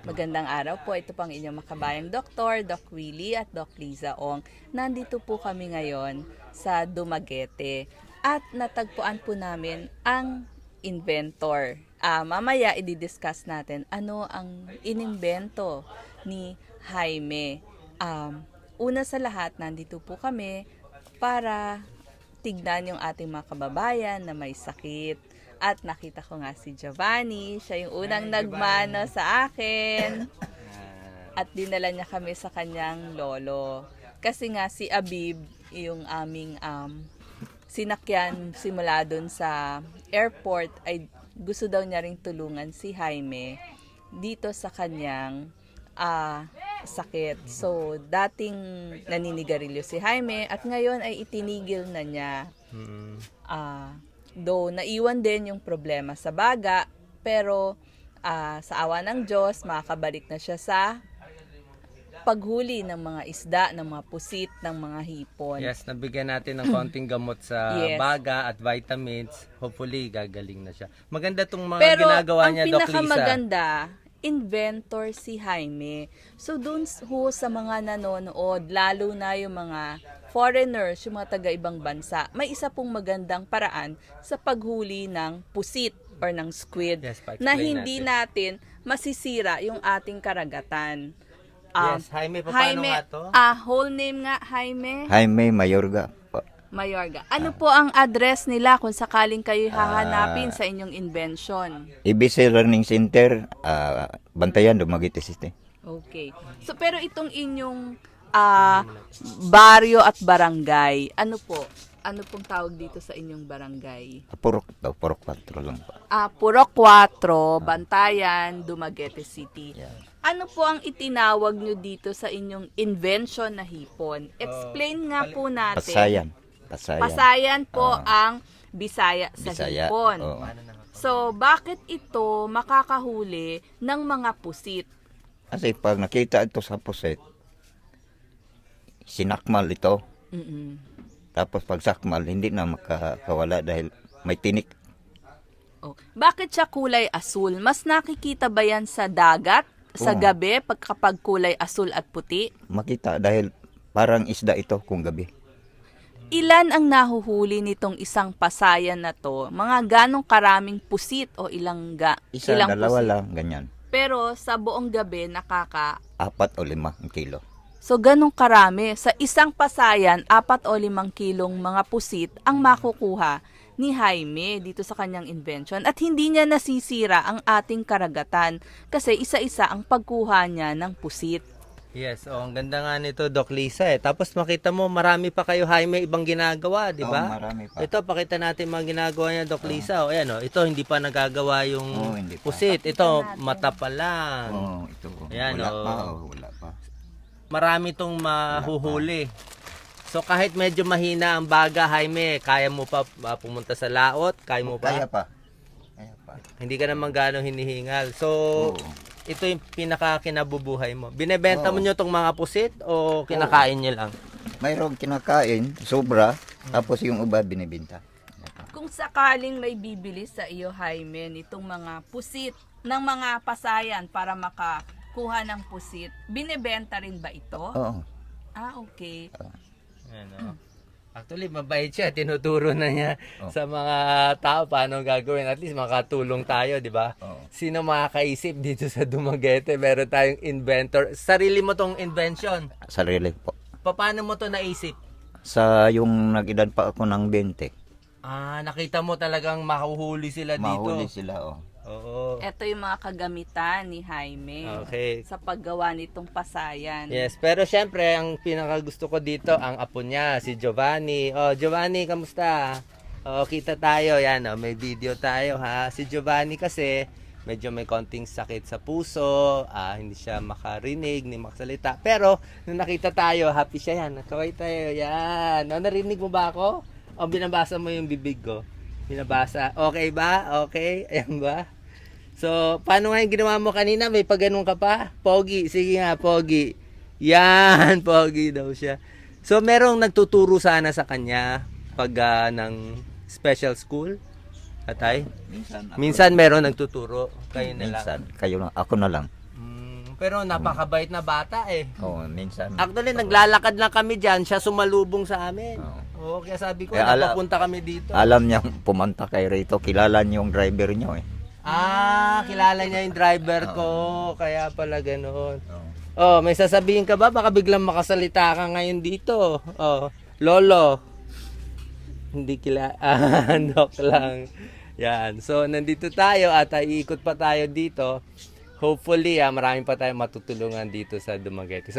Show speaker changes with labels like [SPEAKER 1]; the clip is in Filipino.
[SPEAKER 1] Magandang araw po. Ito pang inyong makabayang doktor, Doc Willie at Doc Liza Ong. Nandito po kami ngayon sa Dumaguete at natagpuan po namin ang inventor. Mamaya i-discuss natin ano ang inimbento ni Jaime. Una sa lahat, nandito po kami para tignan yung ating mga kababayan na may sakit. At nakita ko nga si Giovanni, siya yung unang nagmano sa akin. At dinala niya kami sa kanyang lolo. Kasi nga si Abib, yung aming sinakyan simula dun sa airport, ay gusto daw niya ring tulungan si Jaime dito sa kanyang sakit. So, dating naninigarilyo si Jaime at ngayon ay itinigil na niya. Though naiwan din yung problema sa baga, pero sa awa ng Diyos, makakabalik na siya sa paghuli ng mga isda, ng mga pusit, ng mga hipon.
[SPEAKER 2] Yes, nabigyan natin ng konting gamot sa baga at vitamins. Hopefully, gagaling na siya. Maganda itong mga ginagawa niya, Doc Lisa. Pero ang
[SPEAKER 1] pinakamaganda, inventor si Jaime. So dun ho sa mga nanonood, lalo na yung mga foreigners, yung mga taga-ibang bansa, may isa pong magandang paraan sa paghuli ng pusit or ng squid na hindi natin masisira yung ating karagatan.
[SPEAKER 2] Yes, Jaime, paano nga to?
[SPEAKER 1] Whole name nga, Jaime?
[SPEAKER 3] Jaime Mayorga po.
[SPEAKER 1] Mayorga. Ano po ang address nila kung sakaling kayo hahanapin sa inyong invention?
[SPEAKER 3] EBC Learning Center, Bantayan, Dumaguete City.
[SPEAKER 1] Okay. So, pero itong inyong baryo at barangay, ano po? Ano pong tawag dito sa inyong barangay?
[SPEAKER 3] Purok 4 lang po.
[SPEAKER 1] Purok 4, Bantayan, Dumaguete City.
[SPEAKER 3] Yeah.
[SPEAKER 1] Ano po ang itinawag nyo dito sa inyong invention na hipon? Explain nga po natin.
[SPEAKER 3] Pasayan.
[SPEAKER 1] Pasayan po ang Bisaya sa
[SPEAKER 3] Bisaya.
[SPEAKER 1] hipon.
[SPEAKER 3] Oo.
[SPEAKER 1] So, bakit ito makakahuli ng mga pusit?
[SPEAKER 3] Kasi pag nakita ito sa puset, sinakmal ito. Tapos pag sakmal, hindi na makakawala dahil may tinik.
[SPEAKER 1] Bakit siya kulay asul? Mas nakikita ba yan sa dagat? Sa gabi, kapag kulay asul at puti?
[SPEAKER 3] Makita dahil parang isda ito kung gabi.
[SPEAKER 1] Ilan ang nahuhuli nitong isang pasayan na to? Mga ganong karaming pusit o ilang
[SPEAKER 3] Isa,
[SPEAKER 1] ilang
[SPEAKER 3] dalawa
[SPEAKER 1] pusit?
[SPEAKER 3] lang, ganyan.
[SPEAKER 1] Pero sa buong gabi,
[SPEAKER 3] 4 o 5 kilo.
[SPEAKER 1] So, ganong karami. Sa isang pasayan, 4 o 5 kilong mga pusit ang makukuha ni Jaime dito sa kanyang invention. At hindi niya nasisira ang ating karagatan kasi isa-isa ang pagkuha niya ng pusit.
[SPEAKER 2] Yes, ang ganda nga nito, Doc Lisa. Tapos makita mo, marami pa kayo, Jaime, ibang ginagawa, di ba?
[SPEAKER 3] Marami pa.
[SPEAKER 2] Ito, pakita natin mga ginagawa niya, Doc Lisa. Ayan, ito, hindi pa nagagawa yung
[SPEAKER 3] hindi pa.
[SPEAKER 2] pusit. Ito, mata pa lang.
[SPEAKER 3] Ito.
[SPEAKER 2] Ayan,
[SPEAKER 3] Wala pa.
[SPEAKER 2] Marami tong mahuhuli. So kahit medyo mahina ang baga, Jaime, kaya mo pa pumunta sa laot? Kaya mo pa?
[SPEAKER 3] Kaya pa.
[SPEAKER 2] Hindi ka naman gano'ng hinihingal. So, ito yung pinaka-kinabubuhay mo. Binebenta mo nyo tong mga pusit o kinakain nyo lang?
[SPEAKER 3] Mayroong kinakain, sobra, tapos yung iba binibenta.
[SPEAKER 1] Kung sakaling may bibili sa iyo, Jaime, nitong mga pusit ng mga pasayan para makakuha ng pusit, binebenta rin ba ito?
[SPEAKER 3] Oo.
[SPEAKER 1] Okay.
[SPEAKER 2] Ano? Actually, mabait siya. Tinuturo na niya sa mga tao paano gagawin. At least makatulong tayo, di ba? Sino makakaisip dito sa Dumaguete? Meron tayong inventor. Sarili mo tong invention.
[SPEAKER 3] Sarili po.
[SPEAKER 2] Paano mo to naisip?
[SPEAKER 3] Sa yung nag-edad pa ako ng 20.
[SPEAKER 2] Nakita mo talagang mahuhuli sila dito.
[SPEAKER 3] Mahuli sila,
[SPEAKER 2] Oo.
[SPEAKER 1] Ito yung mga kagamitan ni Jaime sa paggawa nitong pasayan.
[SPEAKER 2] Yes, pero syempre, ang pinakagusto ko dito, ang apo niya, si Giovanni. Giovanni, kamusta? Kita tayo. Yan, may video tayo, ha? Si Giovanni kasi, medyo may konting sakit sa puso, hindi siya makarinig, ni makasalita. Pero, nung nakita tayo, happy siya yan. Kaway tayo, yan. Narinig mo ba ako? O binabasa mo yung bibig ko? Binabasa. Okay ba? Okay? Ayan ba? So, paano nga yung ginawa mo kanina? May pagganong ka pa? Pogi. Sige nga, pogi. Yan, pogi daw siya. So, merong nagtuturo sana sa kanya pag ng special school? Atay? Minsan meron nagtuturo. Kayo na lang.
[SPEAKER 3] Minsan, kayo lang. Ako na lang.
[SPEAKER 2] Pero napakabait na bata eh.
[SPEAKER 3] Oo, minsan.
[SPEAKER 2] Actually, naglalakad lang kami dyan, siya sumalubong sa amin.
[SPEAKER 3] Oo.
[SPEAKER 2] Oo, kaya sabi ko,
[SPEAKER 3] Kaya
[SPEAKER 2] napapunta kami dito.
[SPEAKER 3] Alam niya pumunta kay Rito, kilala niyo yung driver niyo eh.
[SPEAKER 2] Kilala niya yung driver ko, kaya pala ganoon.
[SPEAKER 3] Oo.
[SPEAKER 2] Oh, may sasabihin ka ba? Baka biglang makasalita ka ngayon dito. Oh, Lolo. Hindi Joke lang. Yan. So, nandito tayo at iikot pa tayo dito. Hopefully, marami pa tayong matutulungan dito sa Dumaguete. So,